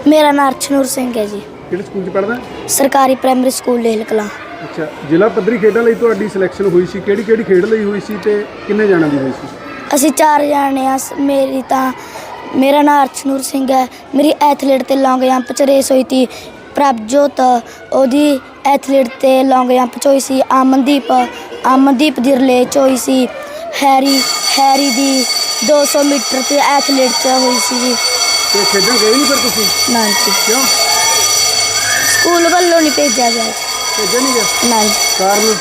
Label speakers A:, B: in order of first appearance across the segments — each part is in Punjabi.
A: मेरा नाम अर्शनूर सिंह है जी।
B: ਕਿਹੜੇ ਸਕੂਲ 'ਚ ਪੜ੍ਹਦਾ?
A: सरकारी प्राइमरी स्कूल लेहल कलां।
B: ਅੱਛਾ, ਜ਼ਿਲ੍ਹਾ ਪੱਧਰੀ ਖੇਡਾਂ ਲਈ ਤੁਹਾਡੀ ਸਿਲੈਕਸ਼ਨ ਹੋਈ ਸੀ, ਕਿਹੜੀ ਖੇਡ ਲਈ ਹੋਈ ਸੀ ਤੇ ਕਿੰਨੇ ਜਾਣਾਂ ਦੀ ਹੋਈ ਸੀ?
A: ਅਸੀਂ 4 ਜਾਣੇ ਆ। मेरा नाम अर्शनूर सिंह है। मेरी एथलीट ते लॉन्ग जंप च रेस हुई थी। प्रभजोत ओदी एथलीट ते लॉन्ग जंप च हुई सी। अमनदीप दी रिले च हुई सी। हैरी दी 200 मीटर ते एथलीट च हुई सी जी।
B: ਤੇ ਖੇਡਾਂ ਗਏ ਨਹੀਂ ਫਿਰ ਤੁਸੀਂ?
A: ना जी,
B: ਕਿਉਂ
A: स्कूल वालों नहीं भेजा गया।
B: ਭੇਜਿਆ ਨਹੀਂ ਗਿਆ?
A: ना जी,
B: ਕਾਰਨ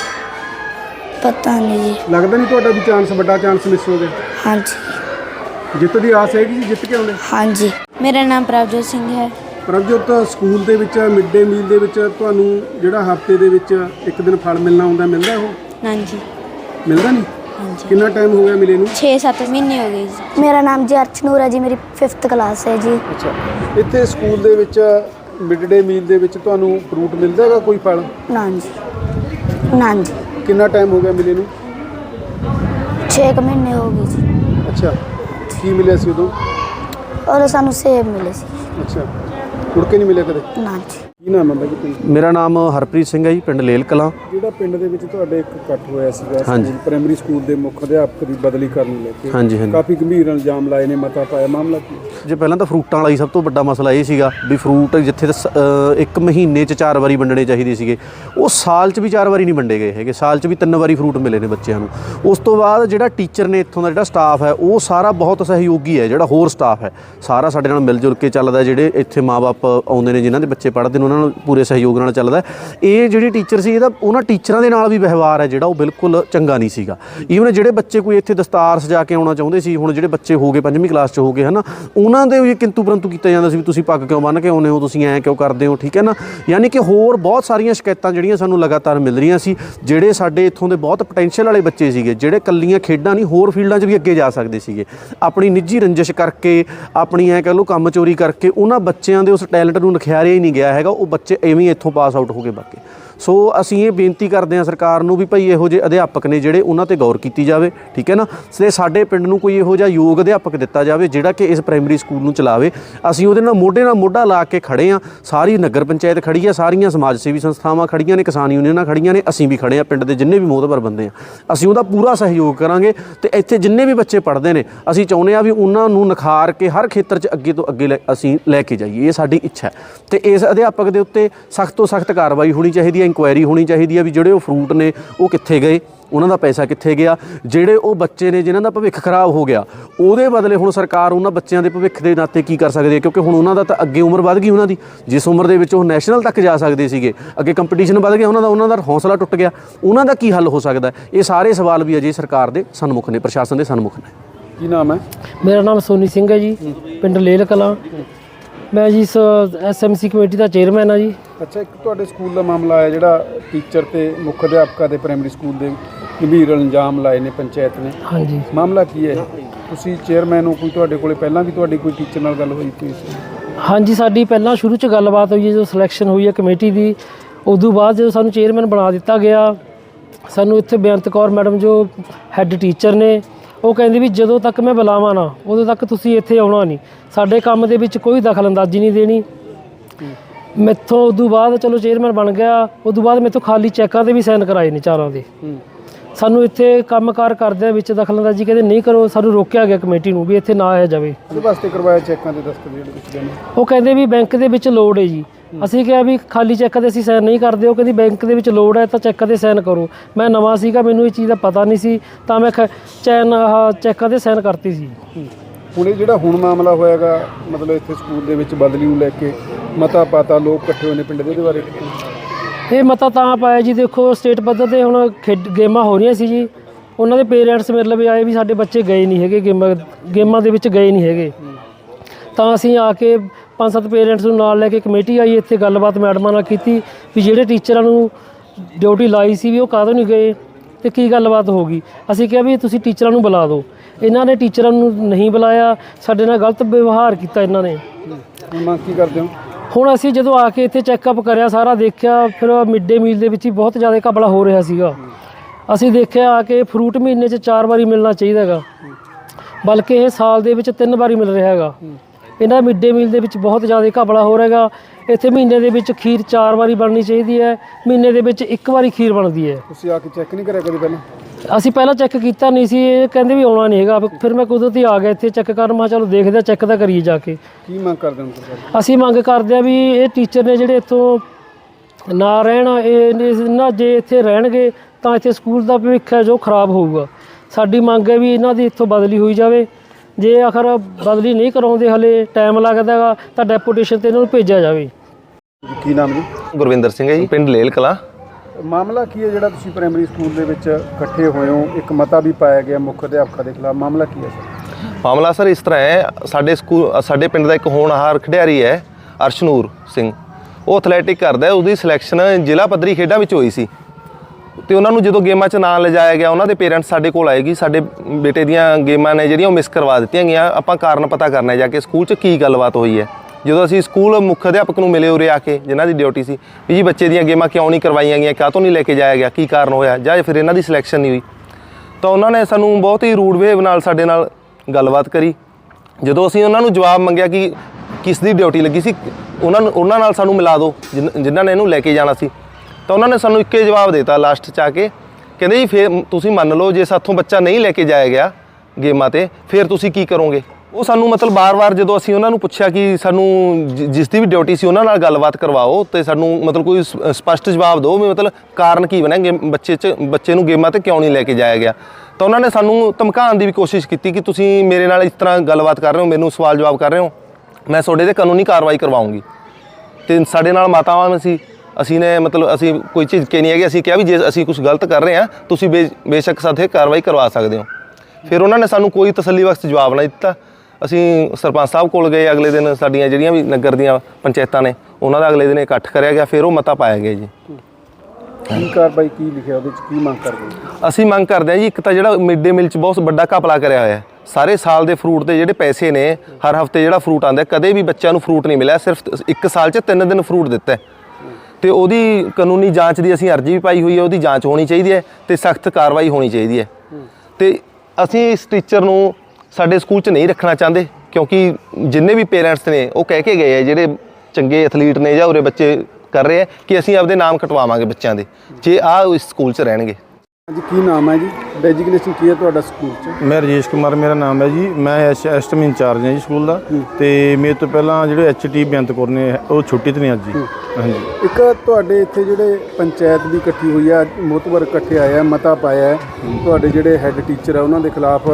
A: पता नहीं जी।
B: ਲੱਗਦਾ ਨਹੀਂ ਤੁਹਾਡਾ ਵੀ ਚਾਂਸ, ਵੱਡਾ ਚਾਂਸ ਮਿਸ ਹੋ ਗਿਆ?
A: हाँ जी,
B: ਜਿੱਤ ਦੀ ਆਸ ਹੈਗੀ ਜੀ, ਜਿੱਤ ਕੇ ਆਉਂਦੇ?
A: हाँ जी। मेरा नाम प्रभजोत सिंह है।
B: ਪ੍ਰਭਜੋਤ, ਸਕੂਲ ਦੇ ਵਿੱਚ ਮਿਡ ਡੇ ਮੀਲ ਦੇ ਵਿੱਚ ਤੁਹਾਨੂੰ ਜਿਹੜਾ ਹਫਤੇ ਦੇ ਵਿੱਚ ਇੱਕ ਦਿਨ ਫਲ ਮਿਲਣਾ ਹੁੰਦਾ, ਮਿਲਦਾ ਉਹ?
C: हाँ जी,
B: ਮਿਲਦਾ ਨਹੀਂ?
C: हाँ जी।
B: ਕਿੰਨਾ ਟਾਈਮ ਹੋ ਗਿਆ ਮਿਲੇ ਨੂੰ?
C: 6-7 महीने हो गए जी।
A: मेरा नाम जी अर्शनूर है जी। मेरी 5th क्लास है जी।
B: ਅੱਛਾ, ਇੱਥੇ ਸਕੂਲ ਦੇ ਵਿੱਚ ਮਿਡ ਡੇ ਮੀਲ ਦੇ ਵਿੱਚ ਤੁਹਾਨੂੰ ਫਰੂਟ ਮਿਲਦਾ ਹੈਗਾ, ਕੋਈ ਫਲ?
A: ना जी, ना जी।
B: ਕਿੰਨਾ ਟਾਈਮ ਹੋ ਗਿਆ ਮਿਲੇ ਨੂੰ?
A: 6 महीने हो गए जी।
B: ਅੱਛਾ, ਕੀ ਮਿਲਿਆ ਸੀ ਉਦੋਂ?
A: और सानू सेब मिले सी।
B: ਅੱਛਾ, ਮੁੜ ਕੇ ਨਹੀਂ ਮਿਲਿਆ ਕਦੇ?
A: ना जी।
B: ਕੀ ਨਾਮ ਹੈ ਬਾਈ ਪਿੰਡ?
D: ਮੇਰਾ ਨਾਮ ਹਰਪ੍ਰੀਤ ਸਿੰਘ ਹੈ ਜੀ, ਪਿੰਡ ਲੇਲ ਕਲਾਂ।
B: ਜਿਹੜਾ ਪਿੰਡ ਦੇ ਵਿੱਚ ਤੁਹਾਡੇ ਇੱਕ ਇਕੱਠ ਹੋਇਆ ਸੀਗਾ
D: ਹਾਂਜੀ।
B: ਪ੍ਰਾਇਮਰੀ ਸਕੂਲ ਦੇ ਮੁੱਖ ਅਧਿਆਪਕ ਦੀ ਬਦਲੀ ਕਰਨ ਨੂੰ ਲੈ ਕੇ,
D: ਹਾਂਜੀ ਹਾਂਜੀ।
B: ਕਾਫੀ ਗੰਭੀਰ ਇਲਜ਼ਾਮ ਲਾਏ ਨੇ, ਮਤਾ ਪਾਇਆ, ਮਾਮਲਾ ਕੀ?
D: ਜੇ ਪਹਿਲਾਂ ਤਾਂ ਫਰੂਟਾਂ ਵਾਲਾ ਹੀ ਸਭ ਤੋਂ ਵੱਡਾ ਮਸਲਾ ਇਹ ਸੀਗਾ ਵੀ ਫਰੂਟ ਜਿੱਥੇ ਇੱਕ ਮਹੀਨੇ 'ਚ 4 ਵਾਰੀ ਵੰਡਣੇ ਚਾਹੀਦੇ ਸੀਗੇ, ਉਹ ਸਾਲ 'ਚ ਵੀ 4 ਵਾਰੀ ਨਹੀਂ ਵੰਡੇ ਗਏ ਹੈਗੇ। ਸਾਲ 'ਚ ਵੀ 3 ਵਾਰੀ ਫਰੂਟ ਮਿਲੇ ਨੇ ਬੱਚਿਆਂ ਨੂੰ। ਉਸ ਤੋਂ ਬਾਅਦ ਜਿਹੜਾ ਟੀਚਰ ਨੇ, ਇੱਥੋਂ ਦਾ ਜਿਹੜਾ ਸਟਾਫ ਹੈ, ਉਹ ਸਾਰਾ ਬਹੁਤ ਸਹਿਯੋਗੀ ਹੈ। ਜਿਹੜਾ ਹੋਰ ਸਟਾਫ ਹੈ ਸਾਰਾ ਸਾਡੇ ਨਾਲ ਮਿਲ ਜੁਲ ਕੇ ਚੱਲਦਾ। ਜਿਹੜੇ ਇੱਥੇ ਮਾਂ-ਬਾਪ ਆਉਂਦੇ ਨੇ, ਜਿਨ੍ਹਾਂ ਦੇ ਬੱਚੇ ਪੜ੍ਹਦੇ ਨੇ, ਉਹਨਾਂ ਨਾਲ ਪੂਰੇ ਸਹਿਯੋਗ ਨਾਲ ਚੱਲਦਾ। ਇਹ ਜਿਹੜੀ ਟੀਚਰ ਸੀ, ਇਹਦਾ ਉਹਨਾਂ ਟੀਚਰਾਂ ਦੇ ਨਾਲ ਵੀ ਵਿਵਹਾਰ ਹੈ ਜਿਹੜਾ ਉਹ ਬਿਲਕੁਲ ਚੰਗਾ ਨਹੀਂ ਸੀਗਾ। ਈਵਨ ਜਿਹੜੇ ਬੱਚੇ ਕੋਈ ਇੱਥੇ ਦਸਤਾਰ ਸਜਾ ਕੇ ਆਉਣਾ ਚਾਹੁੰਦੇ ਸੀ, ਹੁਣ ਜਿਹੜੇ ਬੱਚੇ ਹੋ ਗਏ 5ਵੀਂ ਕਲਾਸ 'ਚ ਹੋ ਗਏ ਹੈ ਨਾ, ਉਹਨਾਂ ਦੇ ਵੀ ਕਿੰਤੂ ਪਰੰਤੂ ਕੀਤਾ ਜਾਂਦਾ ਸੀ ਵੀ ਤੁਸੀਂ ਪੱਗ ਕਿਉਂ ਬੰਨ੍ਹ ਕੇ ਆਉਂਦੇ ਹੋ, ਤੁਸੀਂ ਐਂ ਕਿਉਂ ਕਰਦੇ ਹੋ, ਠੀਕ ਹੈ ਨਾ। ਯਾਨੀ ਕਿ ਹੋਰ ਬਹੁਤ ਸਾਰੀਆਂ ਸ਼ਿਕਾਇਤਾਂ ਜਿਹੜੀਆਂ ਸਾਨੂੰ ਲਗਾਤਾਰ ਮਿਲ ਰਹੀਆਂ ਸੀ। ਜਿਹੜੇ ਸਾਡੇ ਇੱਥੋਂ ਦੇ ਬਹੁਤ ਪੋਟੈਂਸ਼ੀਅਲ ਵਾਲੇ ਬੱਚੇ ਸੀਗੇ, ਜਿਹੜੇ ਇਕੱਲੀਆਂ ਖੇਡਾਂ ਨਹੀਂ ਹੋਰ ਫੀਲਡਾਂ 'ਚ ਵੀ ਅੱਗੇ ਜਾ ਸਕਦੇ ਸੀਗੇ, ਆਪਣੀ ਨਿੱਜੀ ਰੰਜਿਸ਼ ਕਰਕੇ, ਆਪਣੀ ਐਂ ਕਹਿ ਲਓ ਕੰਮ ਚੋਰੀ ਕਰਕੇ, ਉਹਨਾਂ ਬੱਚਿਆਂ ਦੇ ਉਸ ਟੈਲੈਂਟ ਨੂੰ ਨਿਖਾਰਿਆ ਹੀ ਨਹੀਂ ਗਿਆ ਹੈਗਾ। ਉਹ ਬੱਚੇ ਐਵੇਂ ਇੱਥੋਂ ਪਾਸ ਆਊਟ ਹੋ ਕੇ ਬਾਕੀ। ਸੋ ਅਸੀਂ ਇਹ ਬੇਨਤੀ ਕਰਦੇ ਹਾਂ ਸਰਕਾਰ ਨੂੰ ਵੀ ਭਾਈ ਇਹੋ ਜਿਹੇ ਅਧਿਆਪਕ ਨੇ ਜਿਹੜੇ, ਉਹਨਾਂ 'ਤੇ ਗੌਰ ਕੀਤੀ ਜਾਵੇ, ਠੀਕ ਹੈ ਨਾ। ਤੇ ਸਾਡੇ ਪਿੰਡ ਨੂੰ ਕੋਈ ਇਹੋ ਜਿਹਾ ਯੋਗ ਅਧਿਆਪਕ ਦਿੱਤਾ ਜਾਵੇ ਜਿਹੜਾ ਕਿ ਇਸ ਪ੍ਰਾਇਮਰੀ ਸਕੂਲ ਨੂੰ ਚਲਾਵੇ। ਅਸੀਂ ਉਹਦੇ ਨਾਲ ਮੋਢਾ ਲਾ ਕੇ ਖੜ੍ਹੇ ਹਾਂ। ਸਾਰੀ ਨਗਰ ਪੰਚਾਇਤ ਖੜੀ ਆ, ਸਾਰੀਆਂ ਸਮਾਜ ਸੇਵੀ ਸੰਸਥਾਵਾਂ ਖੜੀਆਂ ਨੇ, ਕਿਸਾਨ ਯੂਨੀਅਨਾਂ ਖੜੀਆਂ ਨੇ, ਅਸੀਂ ਵੀ ਖੜ੍ਹੇ ਹਾਂ। ਪਿੰਡ ਦੇ ਜਿੰਨੇ ਵੀ ਮੋਹਤਬਰ ਬੰਦੇ ਆ, ਅਸੀਂ ਉਹਦਾ ਪੂਰਾ ਸਹਿਯੋਗ ਕਰਾਂਗੇ। ਤੇ ਇੱਥੇ ਜਿੰਨੇ ਵੀ ਬੱਚੇ ਪੜ੍ਹਦੇ ਨੇ, ਅਸੀਂ ਚਾਹੁੰਦੇ ਹਾਂ ਵੀ ਉਹਨਾਂ ਨੂੰ ਨਿਖਾਰ ਕੇ ਹਰ ਖੇਤਰ 'ਚ ਅੱਗੇ ਤੋਂ ਅੱਗੇ ਅਸੀਂ ਲੈ ਕੇ ਜਾਈਏ। ਇਹ ਸਾਡੀ ਇੱਛਾ ਹੈ। ਤੇ ਇਸ ਅਧਿਆਪਕ ਦੇ ਉੱਤੇ ਸਖਤ ਤੋਂ ਸਖਤ ਕਾਰਵਾਈ ਹੋਣੀ ਚਾਹੀਦੀ ਹੈ, ਇਨਕੁਆਇਰੀ ਹੋਣੀ ਚਾਹੀਦੀ ਹੈ ਵੀ ਜਿਹੜੇ ਉਹ ਫਰੂਟ ਨੇ ਉਹ ਕਿੱਥੇ ਗਏ, ਉਹਨਾਂ ਦਾ ਪੈਸਾ ਕਿੱਥੇ ਗਿਆ। ਜਿਹੜੇ ਉਹ ਬੱਚੇ ਨੇ ਜਿਨ੍ਹਾਂ ਦਾ ਭਵਿੱਖ ਖਰਾਬ ਹੋ ਗਿਆ, ਉਹਦੇ ਬਦਲੇ ਹੁਣ ਸਰਕਾਰ ਉਹਨਾਂ ਬੱਚਿਆਂ ਦੇ ਭਵਿੱਖ ਦੇ ਨਾਤੇ ਕੀ ਕਰ ਸਕਦੀ ਹੈ? ਕਿਉਂਕਿ ਹੁਣ ਉਹਨਾਂ ਦਾ ਤਾਂ ਅੱਗੇ ਉਮਰ ਵੱਧ ਗਈ ਉਹਨਾਂ ਦੀ। ਜਿਸ ਉਮਰ ਦੇ ਵਿੱਚ ਉਹ ਨੈਸ਼ਨਲ ਤੱਕ ਜਾ ਸਕਦੇ ਸੀਗੇ, ਅੱਗੇ ਕੰਪੀਟੀਸ਼ਨ ਵੱਧ ਗਿਆ, ਉਹਨਾਂ ਦਾ ਹੌਸਲਾ ਟੁੱਟ ਗਿਆ। ਉਹਨਾਂ ਦਾ ਕੀ ਹੱਲ ਹੋ ਸਕਦਾ? ਇਹ ਸਾਰੇ ਸਵਾਲ ਵੀ ਅਜੇ ਸਰਕਾਰ ਦੇ ਸਨਮੁਖ ਨੇ, ਪ੍ਰਸ਼ਾਸਨ ਦੇ ਸਨਮੁਖ ਨੇ।
B: ਕੀ ਨਾਮ ਹੈ?
E: ਮੇਰਾ ਨਾਮ ਸੋਨੀ ਸਿੰਘ ਹੈ ਜੀ, ਪਿੰਡ ਲੇਲ ਕਲਾਂ। ਮੈਂ ਜੀ SMC ਕਮੇਟੀ ਦਾ ਚੇਅਰਮੈਨ ਹਾਂ ਜੀ।
B: ਅੱਛਾ, ਇੱਕ ਤੁਹਾਡੇ ਸਕੂਲ ਦਾ ਮਾਮਲਾ ਆਇਆ ਜਿਹੜਾ ਟੀਚਰ ਤੇ ਮੁੱਖ ਅਧਿਆਪਕਾਂ ਦੇ ਪ੍ਰਾਇਮਰੀ ਸਕੂਲ ਦੇ ਗੰਭੀਰ ਇਲਜ਼ਾਮ ਲਾਏ ਨੇ ਪੰਚਾਇਤ ਨੇ।
E: ਹਾਂਜੀ,
B: ਮਾਮਲਾ ਕੀ ਹੈ? ਤੁਸੀਂ ਚੇਅਰਮੈਨ ਹੋ, ਕੋਈ ਤੁਹਾਡੇ ਕੋਲੇ ਪਹਿਲਾਂ ਵੀ ਤੁਹਾਡੀ ਕੋਈ ਟੀਚਰ ਨਾਲ ਗੱਲ ਹੋਈ ਸੀ?
E: ਹਾਂਜੀ, ਸਾਡੀ ਪਹਿਲਾਂ ਸ਼ੁਰੂ 'ਚ ਗੱਲਬਾਤ ਹੋਈ ਹੈ ਜਦੋਂ ਸਿਲੈਕਸ਼ਨ ਹੋਈ ਹੈ ਕਮੇਟੀ ਦੀ। ਉਦੋਂ ਬਾਅਦ ਜਦੋਂ ਸਾਨੂੰ ਚੇਅਰਮੈਨ ਬਣਾ ਦਿੱਤਾ ਗਿਆ, ਸਾਨੂੰ ਇੱਥੇ ਬੇਅੰਤ ਕੌਰ ਮੈਡਮ ਜੋ ਹੈੱਡ ਟੀਚਰ ਨੇ, ਉਹ ਕਹਿੰਦੇ ਵੀ ਜਦੋਂ ਤੱਕ ਮੈਂ ਬੁਲਾਵਾਂ ਨਾ, ਉਦੋਂ ਤੱਕ ਤੁਸੀਂ ਇੱਥੇ ਆਉਣਾ ਨਹੀਂ, ਸਾਡੇ ਕੰਮ ਦੇ ਵਿੱਚ ਕੋਈ ਦਖਲਅੰਦਾਜ਼ੀ ਨਹੀਂ ਦੇਣੀ। ਮੈਥੋਂ ਉਦੋਂ ਬਾਅਦ ਚਲੋ ਚੇਅਰਮੈਨ ਬਣ ਗਿਆ। ਉਦੋਂ ਬਾਅਦ ਮੈਥੋਂ ਖਾਲੀ ਚੈੱਕਾਂ 'ਤੇ ਵੀ ਸਾਈਨ ਕਰਾਏ ਨੇ 4 ਦੇ। ਸਾਨੂੰ ਇੱਥੇ ਕੰਮਕਾਰ ਕਰਦਿਆਂ ਵਿੱਚ ਦਖਲਅੰਦਾਜ਼ੀ ਕਹਿੰਦੇ ਨਹੀਂ ਕਰੋ। ਸਾਨੂੰ ਰੋਕਿਆ ਗਿਆ ਕਮੇਟੀ ਨੂੰ ਵੀ ਇੱਥੇ ਨਾ ਆਇਆ ਜਾਵੇ।
B: ਉਹਦੇ ਵਾਸਤੇ ਕਰਵਾਇਆ ਚੈੱਕਾਂ ਦੇ ਦਸਤਖਤ ਜਿਹੜੇ ਪਿਛਲੇ ਨੇ?
E: ਉਹ ਕਹਿੰਦੇ ਵੀ ਬੈਂਕ ਦੇ ਵਿੱਚ ਲੋੜ ਹੈ ਜੀ। ਅਸੀਂ ਕਿਹਾ ਵੀ ਖਾਲੀ ਚੈੱਕ 'ਤੇ ਅਸੀਂ ਸਾਈਨ ਨਹੀਂ ਕਰਦੇ। ਉਹ ਕਹਿੰਦੀ ਬੈਂਕ ਦੇ ਵਿੱਚ ਲੋੜ ਹੈ ਤਾਂ ਚੈੱਕਾਂ 'ਤੇ ਸਾਈਨ ਕਰੋ। ਮੈਂ ਨਵਾਂ ਸੀਗਾ, ਮੈਨੂੰ ਇਹ ਚੀਜ਼ ਦਾ ਪਤਾ ਨਹੀਂ ਸੀ, ਤਾਂ ਮੈਂ ਚੈੱਕਾਂ 'ਤੇ ਸਾਈਨ ਕਰਤੀ ਸੀ।
B: ਹੁਣ ਇਹ ਜਿਹੜਾ ਹੁਣ ਮਾਮਲਾ ਹੋਇਆਗਾ, ਮਤਲਬ ਇੱਥੇ ਸਕੂਲ ਦੇ ਵਿੱਚ ਬਦਲੀ ਨੂੰ ਲੈ ਕੇ ਮਤਾ ਪਾਤਾ, ਲੋਕ ਇਕੱਠੇ ਹੋਏ ਨੇ ਪਿੰਡ ਦੇ, ਉਹਦੇ ਬਾਰੇ?
E: ਇਹ ਮਤਾ ਤਾਂ ਪਾਇਆ ਜੀ, ਦੇਖੋ ਸਟੇਟ ਪੱਧਰ 'ਤੇ ਹੁਣ ਗੇਮਾਂ ਹੋ ਰਹੀਆਂ ਸੀ ਜੀ। ਉਹਨਾਂ ਦੇ ਪੇਰੈਂਟਸ ਮੇਰੇ ਲਈ ਆਏ ਵੀ ਸਾਡੇ ਬੱਚੇ ਗਏ ਨਹੀਂ ਹੈਗੇ, ਗੇਮਾਂ ਦੇ ਵਿੱਚ ਗਏ ਨਹੀਂ ਹੈਗੇ। ਤਾਂ ਅਸੀਂ ਆ ਕੇ 5-7 ਪੇਰੈਂਟਸ ਨੂੰ ਨਾਲ ਲੈ ਕੇ ਕਮੇਟੀ ਆਈ, ਇੱਥੇ ਗੱਲਬਾਤ ਮੈਡਮਾਂ ਨਾਲ ਕੀਤੀ ਵੀ ਜਿਹੜੇ ਟੀਚਰਾਂ ਨੂੰ ਡਿਊਟੀ ਲਾਈ ਸੀ ਵੀ ਉਹ ਕਾਹਦੋਂ ਨਹੀਂ ਗਏ ਤੇ ਕੀ ਗੱਲਬਾਤ ਹੋ ਗਈ। ਅਸੀਂ ਕਿਹਾ ਵੀ ਤੁਸੀਂ ਟੀਚਰਾਂ ਨੂੰ ਬੁਲਾ ਦਿਓ। ਇਹਨਾਂ ਨੇ ਟੀਚਰਾਂ ਨੂੰ ਨਹੀਂ ਬੁਲਾਇਆ, ਸਾਡੇ ਨਾਲ ਗਲਤ ਵਿਵਹਾਰ ਕੀਤਾ ਇਹਨਾਂ ਨੇ।
B: ਮੰਗ ਕੀ ਕਰਦੇ ਹੋ?
E: ਹੁਣ ਅਸੀਂ ਜਦੋਂ ਆ ਕੇ ਇੱਥੇ ਚੈੱਕਅਪ ਕਰਿਆ, ਸਾਰਾ ਦੇਖਿਆ, ਫਿਰ ਮਿਡ ਡੇ ਮੀਲ ਦੇ ਵਿੱਚ ਹੀ ਬਹੁਤ ਜ਼ਿਆਦਾ ਘਪਲਾ ਹੋ ਰਿਹਾ ਸੀਗਾ। ਅਸੀਂ ਦੇਖਿਆ ਆ ਕੇ ਫਰੂਟ ਮਹੀਨੇ 'ਚ 4 ਵਾਰੀ ਮਿਲਣਾ ਚਾਹੀਦਾ ਹੈਗਾ, ਬਲਕਿ ਇਹ ਸਾਲ ਦੇ ਵਿੱਚ 3 ਵਾਰੀ ਮਿਲ ਰਿਹਾ ਹੈਗਾ। ਇਹਨਾਂ ਮਿਡ ਡੇ ਮੀਲ ਦੇ ਵਿੱਚ ਬਹੁਤ ਜ਼ਿਆਦਾ ਘਪਲਾ ਹੋ ਰਿਹਾ ਹੈਗਾ। ਇੱਥੇ ਮਹੀਨੇ ਦੇ ਵਿੱਚ ਖੀਰ 4 ਵਾਰੀ ਬਣਨੀ ਚਾਹੀਦੀ ਹੈ, ਮਹੀਨੇ ਦੇ ਵਿੱਚ 1 ਵਾਰੀ ਖੀਰ ਬਣਦੀ ਹੈ।
B: ਤੁਸੀਂ ਆ ਕੇ ਚੈੱਕ ਨਹੀਂ ਕਰਿਆ ਕਦੇ ਪਹਿਲਾਂ?
E: ਅਸੀਂ ਪਹਿਲਾਂ ਚੈੱਕ ਕੀਤਾ ਨਹੀਂ ਸੀ, ਇਹ ਕਹਿੰਦੇ ਵੀ ਆਉਣਾ ਨਹੀਂ ਹੈਗਾ। ਫਿਰ ਮੈਂ ਕੁਦਰਤੀ ਆ ਗਿਆ ਇੱਥੇ ਚੈੱਕ ਕਰਨ, ਮੈਂ ਕਿਹਾ ਚਲੋ ਦੇਖਦੇ ਚੈੱਕ ਤਾਂ ਕਰੀਏ ਜਾ ਕੇ।
B: ਕੀ ਮੰਗ ਕਰਦੇ ਹੋ ਤੁਸੀਂ?
E: ਅਸੀਂ ਮੰਗ ਕਰਦੇ ਹਾਂ ਵੀ ਇਹ ਟੀਚਰ ਨੇ ਜਿਹੜੇ ਇੱਥੋਂ ਨਾ ਰਹਿਣ, ਇਹ ਨਾ ਜੇ ਇੱਥੇ ਰਹਿਣਗੇ ਤਾਂ ਇੱਥੇ ਸਕੂਲ ਦਾ ਭਵਿੱਖ ਹੈ ਜੋ ਖਰਾਬ ਹੋਊਗਾ। ਸਾਡੀ ਮੰਗ ਹੈ ਵੀ ਇਹਨਾਂ ਦੀ ਇੱਥੋਂ ਬਦਲੀ ਹੋਈ ਜਾਵੇ। ਜੇ ਆਖਰ ਬਦਲੀ ਨਹੀਂ ਕਰਾਉਂਦੇ, ਹਲੇ ਟਾਈਮ ਲੱਗਦਾ ਗਾ, ਤਾਂ ਡੈਪੂਟੇਸ਼ਨ 'ਤੇ ਇਹਨਾਂ ਨੂੰ ਭੇਜਿਆ ਜਾਵੇ।
B: ਕੀ ਨਾਮ ਜੀ?
F: ਗੁਰਵਿੰਦਰ ਸਿੰਘ ਹੈ ਜੀ, ਪਿੰਡ ਲੇਲ ਕਲਾਂ।
B: ਮਾਮਲਾ ਕੀ ਹੈ ਜਿਹੜਾ ਤੁਸੀਂ ਪ੍ਰਾਇਮਰੀ ਸਕੂਲ ਦੇ ਵਿੱਚ ਇਕੱਠੇ ਹੋਏ ਹੋ? ਇੱਕ ਮਤਾ ਵੀ ਪਾਇਆ ਗਿਆ ਮੁੱਖ ਅਧਿਆਪਕਾਂ ਦੇ ਖਿਲਾਫ, ਮਾਮਲਾ ਕੀ ਹੈ ਸਰ?
F: ਮਾਮਲਾ ਸਰ ਇਸ ਤਰ੍ਹਾਂ ਹੈ, ਸਾਡੇ ਪਿੰਡ ਦਾ ਇੱਕ ਹੋਣਹਾਰ ਖਿਡਾਰੀ ਹੈ ਅਰਸ਼ਨੂਰ ਸਿੰਘ, ਉਹ ਐਥਲੈਟਿਕ ਕਰਦਾ, ਉਹਦੀ ਸਿਲੈਕਸ਼ਨ ਜ਼ਿਲ੍ਹਾ ਪੱਧਰੀ ਖੇਡਾਂ ਵਿੱਚ ਹੋਈ ਸੀ ਤੇ ਉਹਨਾਂ ਨੂੰ ਜਦੋਂ ਗੇਮਾਂ 'ਚ ਨਾਂ ਲਿਜਾਇਆ ਗਿਆ, ਉਹਨਾਂ ਦੇ ਪੇਰੈਂਟਸ ਸਾਡੇ ਕੋਲ ਆਏਗੀ, ਸਾਡੇ ਬੇਟੇ ਦੀਆਂ ਗੇਮਾਂ ਨੇ ਜਿਹੜੀਆਂ ਉਹ ਮਿਸ ਕਰਵਾ ਦਿੱਤੀਆਂ ਗਈਆਂ, ਆਪਾਂ ਕਾਰਨ ਪਤਾ ਕਰਨਾ ਜਾ ਕੇ ਸਕੂਲ 'ਚ ਕੀ ਗੱਲਬਾਤ ਹੋਈ ਹੈ। ਜਦੋਂ ਅਸੀਂ ਸਕੂਲ ਮੁੱਖ ਅਧਿਆਪਕ ਨੂੰ ਮਿਲੇ ਉਰੇ ਆ ਕੇ, ਜਿਨ੍ਹਾਂ ਦੀ ਡਿਊਟੀ ਸੀ ਵੀ ਜੀ ਬੱਚੇ ਦੀਆਂ ਗੇਮਾਂ ਕਿਉਂ ਨਹੀਂ ਕਰਵਾਈਆਂ ਗਈਆਂ, ਕਾਹਤੋਂ ਨਹੀਂ ਲੈ ਕੇ ਜਾਇਆ ਗਿਆ, ਕੀ ਕਾਰਨ ਹੋਇਆ, ਜਾਂ ਫਿਰ ਇਹਨਾਂ ਦੀ ਸਿਲੈਕਸ਼ਨ ਨਹੀਂ ਹੋਈ, ਤਾਂ ਉਹਨਾਂ ਨੇ ਸਾਨੂੰ ਬਹੁਤ ਹੀ ਰੂਡ ਵੇਵ ਨਾਲ ਸਾਡੇ ਨਾਲ ਗੱਲਬਾਤ ਕਰੀ। ਜਦੋਂ ਅਸੀਂ ਉਹਨਾਂ ਨੂੰ ਜਵਾਬ ਮੰਗਿਆ ਕਿ ਕਿਸ ਦੀ ਡਿਊਟੀ ਲੱਗੀ ਸੀ, ਉਹਨਾਂ ਨਾਲ ਸਾਨੂੰ ਮਿਲਾ ਦਿਓ ਜਿਨ੍ਹਾਂ ਨੇ ਇਹਨੂੰ ਲੈ ਕੇ ਜਾਣਾ ਸੀ, ਤਾਂ ਉਹਨਾਂ ਨੇ ਸਾਨੂੰ ਇੱਕੇ ਜਵਾਬ ਦਿੱਤਾ ਲਾਸਟ 'ਚ ਆ ਕੇ, ਕਹਿੰਦੇ ਜੀ ਫਿਰ ਤੁਸੀਂ ਮੰਨ ਲਓ ਜੇ ਸਾਥੋਂ ਬੱਚਾ ਨਹੀਂ ਲੈ ਕੇ ਜਾਇਆ ਗਿਆ ਗੇਮਾਂ 'ਤੇ, ਫਿਰ ਤੁਸੀਂ ਕੀ ਕਰੋਗੇ। ਉਹ ਸਾਨੂੰ ਮਤਲਬ ਵਾਰ-ਵਾਰ ਜਦੋਂ ਅਸੀਂ ਉਹਨਾਂ ਨੂੰ ਪੁੱਛਿਆ ਕਿ ਸਾਨੂੰ ਜਿਸ ਦੀ ਵੀ ਡਿਊਟੀ ਸੀ ਉਹਨਾਂ ਨਾਲ ਗੱਲਬਾਤ ਕਰਵਾਓ ਅਤੇ ਸਾਨੂੰ ਮਤਲਬ ਕੋਈ ਸਪਸ਼ਟ ਜਵਾਬ ਦਿਓ ਵੀ ਮਤਲਬ ਕਾਰਨ ਕੀ ਬਣਿਆ, ਬੱਚੇ ਨੂੰ ਗੇਮਾਂ 'ਤੇ ਕਿਉਂ ਨਹੀਂ ਲੈ ਕੇ ਜਾਇਆ ਗਿਆ, ਤਾਂ ਉਹਨਾਂ ਨੇ ਸਾਨੂੰ ਧਮਕਾਉਣ ਦੀ ਵੀ ਕੋਸ਼ਿਸ਼ ਕੀਤੀ ਕਿ ਤੁਸੀਂ ਮੇਰੇ ਨਾਲ ਇਸ ਤਰ੍ਹਾਂ ਗੱਲਬਾਤ ਕਰ ਰਹੇ ਹੋ, ਮੈਨੂੰ ਸਵਾਲ ਜਵਾਬ ਕਰ ਰਹੇ ਹੋ, ਮੈਂ ਤੁਹਾਡੇ 'ਤੇ ਕਾਨੂੰਨੀ ਕਾਰਵਾਈ ਕਰਵਾਉਂਗੀ। ਅਤੇ ਸਾਡੇ ਨਾਲ ਮਾਤਾਵਾਂ ਸੀ, ਅਸੀਂ ਨੇ ਮਤਲਬ ਅਸੀਂ ਕੋਈ ਝਿਜਕੇ ਨਹੀਂ ਹੈਗੇ, ਅਸੀਂ ਕਿਹਾ ਵੀ ਜੇ ਅਸੀਂ ਕੁਝ ਗਲਤ ਕਰ ਰਹੇ ਹਾਂ ਤੁਸੀਂ ਬੇਸ਼ੱਕ ਸਾਡੇ ਕਾਰਵਾਈ ਕਰਵਾ ਸਕਦੇ ਹੋ। ਫਿਰ ਉਹਨਾਂ ਨੇ ਸਾਨੂੰ ਕੋਈ ਤਸੱਲੀ ਬਖਸ਼ ਜਵਾਬ ਨਾ ਦਿੱਤਾ। ਅਸੀਂ ਸਰਪੰਚ ਸਾਹਿਬ ਕੋਲ ਗਏ, ਅਗਲੇ ਦਿਨ ਸਾਡੀਆਂ ਜਿਹੜੀਆਂ ਵੀ ਨਗਰ ਦੀਆਂ ਪੰਚਾਇਤਾਂ ਨੇ ਉਹਨਾਂ ਦਾ ਅਗਲੇ ਦਿਨ ਇਕੱਠ ਕਰਿਆ ਗਿਆ, ਫਿਰ ਉਹ ਮਤਾ ਪਾਇਆ ਗਿਆ ਜੀ।
B: ਕੀ ਕਾਰਵਾਈ ਕੀ ਲਿਖਿਆ ਉਹਦੇ 'ਚ, ਕੀ ਮੰਗ ਕਰਦੇ ਹੋ?
F: ਅਸੀਂ ਮੰਗ ਕਰਦੇ ਹਾਂ ਜੀ, ਇੱਕ ਤਾਂ ਜਿਹੜਾ ਮਿਡ ਡੇ ਮੀਲ 'ਚ ਬਹੁਤ ਵੱਡਾ ਘਪਲਾ ਕਰਿਆ ਹੋਇਆ ਹੈ, ਸਾਰੇ ਸਾਲ ਦੇ ਫਰੂਟ ਦੇ ਜਿਹੜੇ ਪੈਸੇ ਨੇ, ਹਰ ਹਫਤੇ ਜਿਹੜਾ ਫਰੂਟ ਆਉਂਦਾ, ਕਦੇ ਵੀ ਬੱਚਿਆਂ ਨੂੰ ਫਰੂਟ ਨਹੀਂ ਮਿਲਿਆ, ਸਿਰਫ 1 ਸਾਲ 'ਚ 3 ਦਿਨ ਫਰੂਟ ਦਿੱਤਾ ਅਤੇ ਉਹਦੀ ਕਾਨੂੰਨੀ ਜਾਂਚ ਦੀ ਅਸੀਂ ਅਰਜ਼ੀ ਵੀ ਪਾਈ ਹੋਈ ਹੈ, ਉਹਦੀ ਜਾਂਚ ਹੋਣੀ ਚਾਹੀਦੀ ਹੈ ਅਤੇ ਸਖਤ ਕਾਰਵਾਈ ਹੋਣੀ ਚਾਹੀਦੀ ਹੈ। ਅਤੇ ਅਸੀਂ ਇਸ ਟੀਚਰ ਨੂੰ ਸਾਡੇ ਸਕੂਲ 'ਚ ਨਹੀਂ ਰੱਖਣਾ ਚਾਹੁੰਦੇ, ਕਿਉਂਕਿ ਜਿੰਨੇ ਵੀ ਪੇਰੈਂਟਸ ਨੇ ਉਹ ਕਹਿ ਕੇ ਗਏ ਆ, ਜਿਹੜੇ ਚੰਗੇ ਐਥਲੀਟ ਨੇ ਜਾਂ ਉਰੇ ਬੱਚੇ ਕਰ ਰਹੇ ਆ, ਕਿ ਅਸੀਂ ਆਪਦੇ ਨਾਮ ਕਟਵਾਵਾਂਗੇ ਬੱਚਿਆਂ ਦੇ ਜੇ ਇਸ ਸਕੂਲ 'ਚ ਰਹਿਣਗੇ।
B: ਜੀ ਕੀ ਨਾਮ ਹੈ ਜੀ? ਡੈਜਿਗਨੇਸ਼ਨ ਕੀ ਹੈ ਤੁਹਾਡਾ ਸਕੂਲ 'ਚ?
G: ਮੈਂ ਰਾਜੇਸ਼ ਕੁਮਾਰ ਮੇਰਾ ਨਾਮ ਹੈ ਜੀ, ਮੈਂ ਐਸਟਮ ਇੰਚਾਰਜ ਹਾਂ ਜੀ ਸਕੂਲ ਦਾ, ਤੇ ਮੇਰੇ ਤੋਂ ਪਹਿਲਾਂ ਜਿਹੜੇ ਐਚਟੀ ਬੇਅੰਤ ਕੌਰ ਨੇ ਉਹ ਛੁੱਟੀ 'ਤੇ ਨੇ ਅੱਜ ਜੀ। ਹਾਂਜੀ,
B: ਇੱਕ ਤੁਹਾਡੇ ਇੱਥੇ ਜਿਹੜੇ ਪੰਚਾਇਤ ਵੀ ਇਕੱਠੀ ਹੋਈ ਆ, ਮੋਤਬਰ ਇਕੱਠੇ ਆਏ ਆ, ਮਤਾ ਪਾਇਆ ਹੈ, ਤੁਹਾਡੇ ਜਿਹੜੇ ਹੈੱਡ ਟੀਚਰ ਆ ਉਹਨਾਂ ਦੇ ਖਿਲਾਫ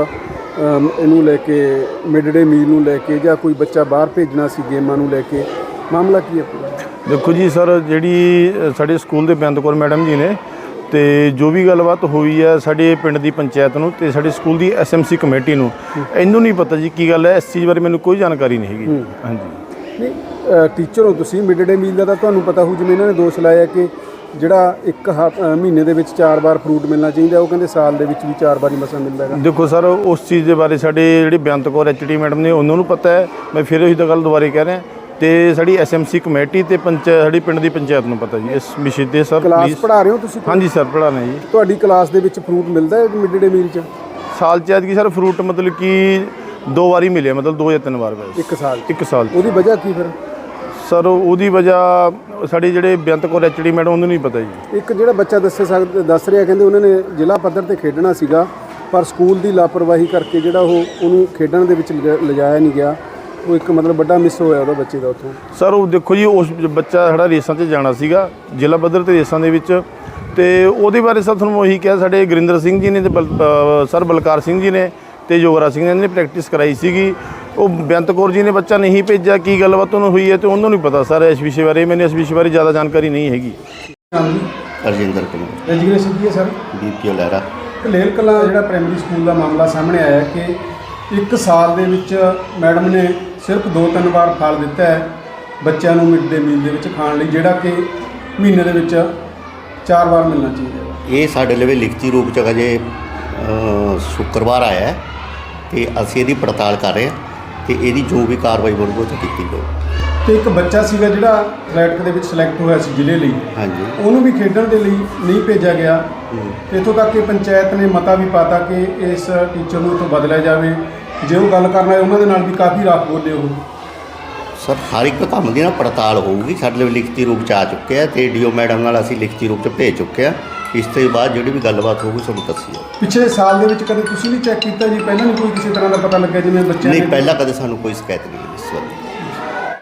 B: ਇਹਨੂੰ ਲੈ ਕੇ, ਮਿਡ ਡੇ ਮੀਲ ਨੂੰ ਲੈ ਕੇ, ਜਾਂ ਕੋਈ ਬੱਚਾ ਬਾਹਰ ਭੇਜਣਾ ਸੀ ਗੇਮਾਂ ਨੂੰ ਲੈ ਕੇ, ਮਾਮਲਾ ਕੀ ਹੈ ਪੂਰਾ?
G: ਦੇਖੋ ਜੀ ਸਰ, ਜਿਹੜੀ ਸਾਡੇ ਸਕੂਲ ਦੇ ਬੇਅੰਤ ਕੌਰ ਮੈਡਮ ਜੀ ਨੇ, ਤੇ ਜੋ ਵੀ ਗੱਲਬਾਤ ਹੋਈ ਹੈ ਸਾਡੇ ਪਿੰਡ ਦੀ ਪੰਚਾਇਤ ਨੂੰ ਤੇ ਸਾਡੇ ਸਕੂਲ ਦੀ ਐਸਐਮਸੀ ਕਮੇਟੀ ਨੂੰ, ਇਹਨੂੰ ਨਹੀਂ ਪਤਾ ਜੀ ਕੀ ਗੱਲ ਹੈ, ਇਸ ਚੀਜ਼ ਬਾਰੇ ਮੈਨੂੰ ਕੋਈ ਜਾਣਕਾਰੀ ਨਹੀਂ ਹੈਗੀ। ਹਾਂਜੀ,
B: ਨਹੀਂ ਟੀਚਰ ਹੋ ਤੁਸੀਂ, ਮਿਡ ਡੇ ਮੀਲ ਦਾ ਤਾਂ ਤੁਹਾਨੂੰ ਪਤਾ ਹੋਊ, ਜਿਵੇਂ ਇਹਨਾਂ ਨੇ ਦੋਸ਼ ਲਾਇਆ ਕਿ ਜਿਹੜਾ ਇੱਕ ਮਹੀਨੇ ਦੇ ਵਿੱਚ 4 ਵਾਰ ਫਰੂਟ ਮਿਲਣਾ ਚਾਹੀਦਾ, ਉਹ ਕਹਿੰਦੇ ਸਾਲ ਦੇ ਵਿੱਚ ਵੀ 4 ਵਾਰੀ ਮਸਾਂ ਮਿਲਦਾ ਹੈਗਾ।
G: ਦੇਖੋ ਸਰ, ਉਸ ਚੀਜ਼ ਦੇ ਬਾਰੇ ਸਾਡੇ ਜਿਹੜੀ ਬੇਅੰਤ ਕੌਰ ਐਚਟੀ ਮੈਡਮ ਨੇ ਉਹਨਾਂ ਨੂੰ ਪਤਾ ਹੈ, ਮੈਂ ਫਿਰ ਉਹੀ ਤਾਂ ਗੱਲ ਦੁਬਾਰੇ ਕਹਿ ਰਿਹਾ, ਤੇ ਸਾਡੀ ਐਸਐਮਸੀ ਕਮੇਟੀ ਤੇ ਸਾਡੀ ਪਿੰਡ ਦੀ ਪੰਚਾਇਤ ਨੂੰ ਪਤਾ ਜੀ ਇਸ ਵਿਸ਼ੇ 'ਤੇ। ਸਰ
B: ਕਲਾਸ ਪੜ੍ਹਾ ਰਹੇ ਹੋ ਤੁਸੀਂ?
G: ਹਾਂਜੀ ਸਰ, ਪੜ੍ਹਾ ਰਹੇ ਜੀ।
B: ਤੁਹਾਡੀ ਕਲਾਸ ਦੇ ਵਿੱਚ ਫਰੂਟ ਮਿਲਦਾ ਹੈ ਮਿਡ ਡੇ ਮੀਲ 'ਚ?
G: ਸਾਲ 'ਚ ਐਤਕੀ ਸਰ ਫਰੂਟ ਮਤਲਬ ਕਿ 2 ਵਾਰੀ ਮਿਲਿਆ, ਮਤਲਬ 2 ਜਾਂ 3 ਵਾਰ ਬਸ।
B: 1 ਸਾਲ?
G: 1 ਸਾਲ।
B: ਉਹਦੀ ਵਜ੍ਹਾ ਕੀ ਫਿਰ?
G: ਸਰ ਉਹਦੀ ਵਜ੍ਹਾ ਸਾਡੇ ਜਿਹੜੇ ਬੇਅੰਤ ਕੌਰ ਐਚਡੀ ਮੈਡਮ ਉਹਨੂੰ ਨਹੀਂ ਪਤਾ ਜੀ।
B: ਇੱਕ ਜਿਹੜਾ ਬੱਚਾ ਦੱਸ ਰਿਹਾ, ਕਹਿੰਦੇ ਉਹਨਾਂ ਨੇ ਜ਼ਿਲ੍ਹਾ ਪੱਧਰ ਤੇ ਖੇਡਣਾ ਸੀਗਾ, ਪਰ ਸਕੂਲ ਦੀ ਲਾਪਰਵਾਹੀ ਕਰਕੇ ਜਿਹੜਾ ਉਹਨੂੰ ਖੇਡਣ ਦੇ ਵਿੱਚ ਲਿਜਾਇਆ ਨਹੀਂ ਗਿਆ, ਉਹ ਇੱਕ ਮਤਲਬ ਵੱਡਾ ਮਿਸ ਹੋਇਆ ਉਹਦਾ ਬੱਚੇ ਦਾ ਉੱਥੋਂ। ਸਰ
G: ਉਹ ਦੇਖੋ ਜੀ, ਉਸ ਬੱਚਾ ਸਾਡਾ ਰੇਸਾਂ 'ਤੇ ਜਾਣਾ ਸੀਗਾ, ਜ਼ਿਲ੍ਹਾ ਪੱਧਰ 'ਤੇ ਰੇਸਾਂ ਦੇ ਵਿੱਚ, ਤੇ ਉਹਦੇ ਬਾਰੇ ਸਰ ਤੁਹਾਨੂੰ ਉਹੀ ਕਿਹਾ, ਸਾਡੇ ਗੁਰਿੰਦਰ ਸਿੰਘ ਜੀ ਨੇ ਤੇ ਸਰ ਬਲਕਾਰ ਸਿੰਘ ਜੀ ਨੇ ਤੇ ਯੋਗਰਾਜ ਸਿੰਘ ਨੇ ਪ੍ਰੈਕਟਿਸ ਕਰਾਈ ਸੀਗੀ। ਉਹ ਬੇਅੰਤ ਕੌਰ ਜੀ ਨੇ ਬੱਚਾ ਨਹੀਂ ਭੇਜਿਆ, ਕੀ ਗੱਲਬਾਤ ਉਹਨੂੰ ਹੋਈ ਹੈ ਤੇ ਉਹਨੂੰ ਨਹੀਂ ਪਤਾ ਸਰ ਇਸ ਵਿਸ਼ੇ ਬਾਰੇ, ਮੈਨੂੰ ਇਸ ਵਿਸ਼ੇ ਬਾਰੇ ਜ਼ਿਆਦਾ ਜਾਣਕਾਰੀ ਨਹੀਂ ਹੈਗੀ।
H: ਰਜਿੰਦਰ ਕੁਮਾਰ।
B: ਐਜੂਕੇਸ਼ਨ ਕੀ ਹੈ ਸਰ?
H: ਬੀਪੀਓ ਲਹਿਰਾ।
B: ਲੇਲ ਕਲਾਂ ਜਿਹੜਾ ਪ੍ਰਾਇਮਰੀ ਸਕੂਲ ਦਾ ਮਾਮਲਾ ਸਾਹਮਣੇ ਆਇਆ ਕਿ 1 ਸਾਲ ਦੇ ਵਿੱਚ ਮੈਡਮ ਨੇ ਸਿਰਫ 2-3 ਵਾਰ ਫਲ ਦਿੱਤਾ ਹੈ ਬੱਚਿਆਂ ਨੂੰ ਮਿਡ ਡੇ ਮੀਲ ਦੇ ਵਿੱਚ ਖਾਣ ਲਈ, ਜਿਹੜਾ ਕਿ ਮਹੀਨੇ ਦੇ ਵਿੱਚ 4 ਵਾਰ ਮਿਲਣਾ ਚਾਹੀਦਾ ਹੈ।
H: ਇਹ ਸਾਡੇ ਲਈ ਲਿਖਤੀ ਰੂਪ 'ਚ ਅਜੇ ਸ਼ੁੱਕਰਵਾਰ ਆਇਆ ਹੈ ਤੇ ਅਸੀਂ ਇਹਦੀ ਪੜਤਾਲ ਕਰ ਰਹੇ ਹਾਂ ਤੇ ਇਹਦੀ ਜੋ ਵੀ ਕਾਰਵਾਈ ਬਣੂਗੀ ਉਹ ਕੀਤੀ ਜਾਊ।
B: ਤੇ ਇੱਕ ਬੱਚਾ ਸੀਗਾ ਜਿਹੜਾ ਐਥਲੈਟਿਕ ਦੇ ਵਿੱਚ ਸਿਲੈਕਟ ਹੋਇਆ ਸੀ ਜ਼ਿਲ੍ਹੇ ਲਈ,
H: ਹਾਂਜੀ,
B: ਉਹਨੂੰ ਵੀ ਖੇਡਣ ਦੇ ਲਈ ਨਹੀਂ ਭੇਜਿਆ ਗਿਆ। ਇੱਥੋਂ ਤੱਕ ਕਿ ਪੰਚਾਇਤ ਨੇ ਮਤਾ ਵੀ ਪਾਤਾ ਕਿ ਇਸ ਟੀਚਰ ਨੂੰ ਇੱਥੋਂ ਬਦਲਿਆ ਜਾਵੇ। ਜੇ ਉਹ ਗੱਲ ਕਰਨਾ ਹੈ ਉਹਨਾਂ ਦੇ ਨਾਲ ਵੀ ਕਾਫੀ ਰਾਖ ਬੋਲੇ ਉਹ,
H: ਸਰ ਹਰ ਇੱਕ ਕੰਮ ਦੀ ਨਾ ਪੜਤਾਲ ਹੋਊਗੀ। ਸਾਡੇ ਲਈ ਲਿਖਤੀ ਰੂਪ 'ਚ ਆ ਚੁੱਕਿਆ ਤੇ ਡੀਓ ਮੈਡਮ ਨਾਲ ਅਸੀਂ ਲਿਖਤੀ ਰੂਪ 'ਚ ਭੇਜ ਚੁੱਕੇ ਹਾਂ। ਇਸ ਤੋਂ ਬਾਅਦ ਜਿਹੜੀ ਵੀ ਗੱਲਬਾਤ ਹੋਊਗੀ ਤੁਹਾਨੂੰ ਦੱਸੀ ਜਾਊਗੀ।
B: ਪਿਛਲੇ ਸਾਲ ਦੇ ਵਿੱਚ ਕਦੇ ਤੁਸੀਂ ਨਹੀਂ ਚੈੱਕ ਕੀਤਾ ਜੀ? ਪਹਿਲਾਂ ਨਹੀਂ ਕੋਈ ਕਿਸੇ ਤਰ੍ਹਾਂ ਦਾ ਪਤਾ ਲੱਗਿਆ ਜਿਵੇਂ ਬੱਚਿਆਂ
H: ਨਹੀਂ,
B: ਨੇ?
H: ਪਹਿਲਾਂ ਕਦੇ ਸਾਨੂੰ ਕੋਈ ਸ਼ਿਕਾਇਤ ਨਹੀਂ।